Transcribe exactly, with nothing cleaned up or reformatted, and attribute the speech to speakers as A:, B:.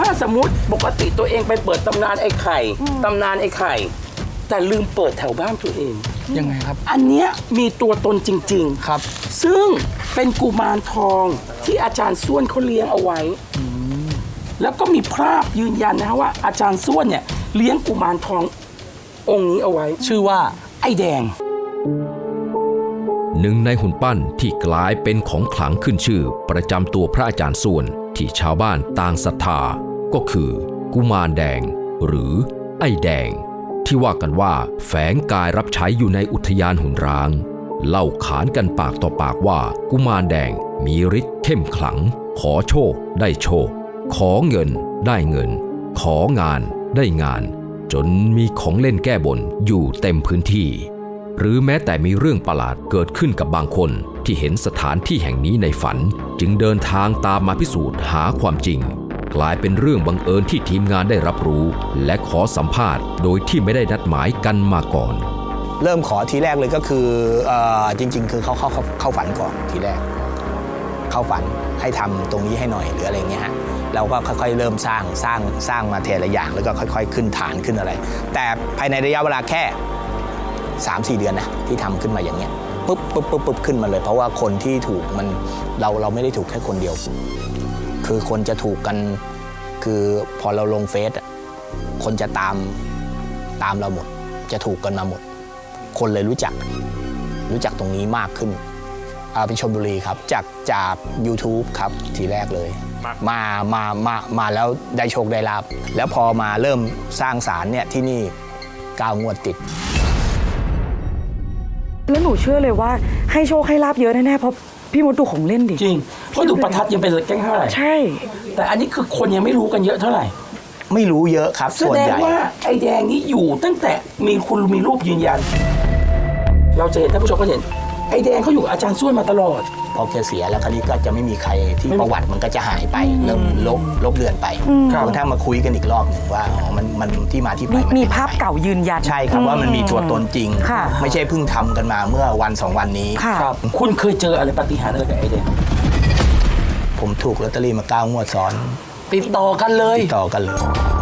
A: ถ้าสมมติปกติตัวเองไปเปิดตำนานไอ้ไข่ตำนานไอ้ไข่แต่ลืมเปิดแถวบ้านตัวเอง
B: ยังไงครับ
A: อันเนี้ยมีตัวตนจริงๆ
B: ครับ
A: ซึ่งเป็นกุมารทองที่อาจารย์ส้วนเขาเลี้ยงเอาไว้แล้วก็มีภาพยืนยันนะว่าอาจารย์ส้วนเนี่ยเลี้ยงกุมารทององค์นี้เอาไว้
B: ชื่อว่า
A: ไอ้แดง
C: หนึ่งในหุ่นปั้นที่กลายเป็นของขลังขึ้นชื่อประจำตัวพระอาจารย์ส้วนที่ชาวบ้านต่างศรัทธาก็คือกุมารแดงหรือไอ้แดงที่ว่ากันว่าแฝงกายรับใช้อยู่ในอุทยานหุ่นร้างเล่าขานกันปากต่อปากว่ากุมารแดงมีฤทธิ์เข้มขลังขอโชคได้โชคขอเงินได้เงินของานได้งานจนมีของเล่นแก้บนอยู่เต็มพื้นที่หรือแม้แต่มีเรื่องประหลาดเกิดขึ้นกับบางคนที่เห็นสถานที่แห่งนี้ในฝันจึงเดินทางตามมาพิสูจน์หาความจริงกลายเป็นเรื่องบังเอิญที่ทีมงานได้รับรู้และขอสัมภาษณ์โดยที่ไม่ได้นัดหมายกันมาก่อน
D: เริ่มขอทีแรกเลยก็คือเอ่อจริงๆคือเขาเข้าเข้าฝันก่อนทีแรกเข้าฝันให้ทำตรงนี้ให้หน่อยหรืออะไรเงี้ยฮะเราก็ค่อยๆเริ่มสร้างสร้างสร้างมาทีละอย่างแล้วก็ค่อยๆขึ้นฐานขึ้นอะไรแต่ภายในระยะเวลาแค่ สามสี่ เดือนนะที่ทำขึ้นมาอย่างเงี้ยปุ๊บปุ๊บปุ๊บปุ๊บขึ้นมาเลยเพราะว่าคนที่ถูกมันเราเราไม่ได้ถูกแค่คนเดียวคือคนจะถูกกันคือพอเราลงเฟซคนจะตามตามเราหมดจะถูกกันมาหมดคนเลยรู้จักรู้จักตรงนี้มากขึ้นเอาเป็นชลบุรีครับจากจาก YouTube ครับทีแรกเลยมามามามาแล้วได้โชคได้ลาภแล้วพอมาเริ่มสร้างศาลเนี่ยที่นี่เก้างวดติด
E: แล้วหนูเชื่อเลยว่าให้โชคให้ลาบเยอะแน่ๆเพราะพี่มดดูของเล่นดิ
A: จริงเพราะดูประทัดยังเป็นแก้งเท่าไหร่
E: ใช่
A: แต่อันนี้คือคนยังไม่รู้กันเยอะเท่าไหร่
D: ไม่รู้เยอะครับ
A: ส่วนใหญ่แสดงว่าไอ้แดงนี้อยู่ตั้งแต่มีคุณมีรูปยืนยันเราจะเห็นท่านผู้ชมก็เห็นไอ้แดงเขาอยู่อาจารย์ส้วนมาตลอด
D: พอแกเสียแล้วคราวนี้ก็จะไม่มีใครที่ประวัติมันก็จะหายไปเริ่มลบลบเลือนไปจนกระทั่งมาคุยกันอีกรอบหนึ่งว่าอ๋อมันมันที่มาที่ไป
E: มีภาพเก่ายืนยัน
D: ใช่ครับว่ามันมีตัวตนจริงไม่ใช่เพิ่งทำกันมาเมื่อวันสองวันนี้
A: ครับคุณเคยเจออะไรปาฏิหาริย์อะไรกับไอ้แดง
D: ผมถูกลอตเตอรี่มาเก้างวดซ้อน
B: ติดต่อกันเลย
D: ติดต่อกันเลย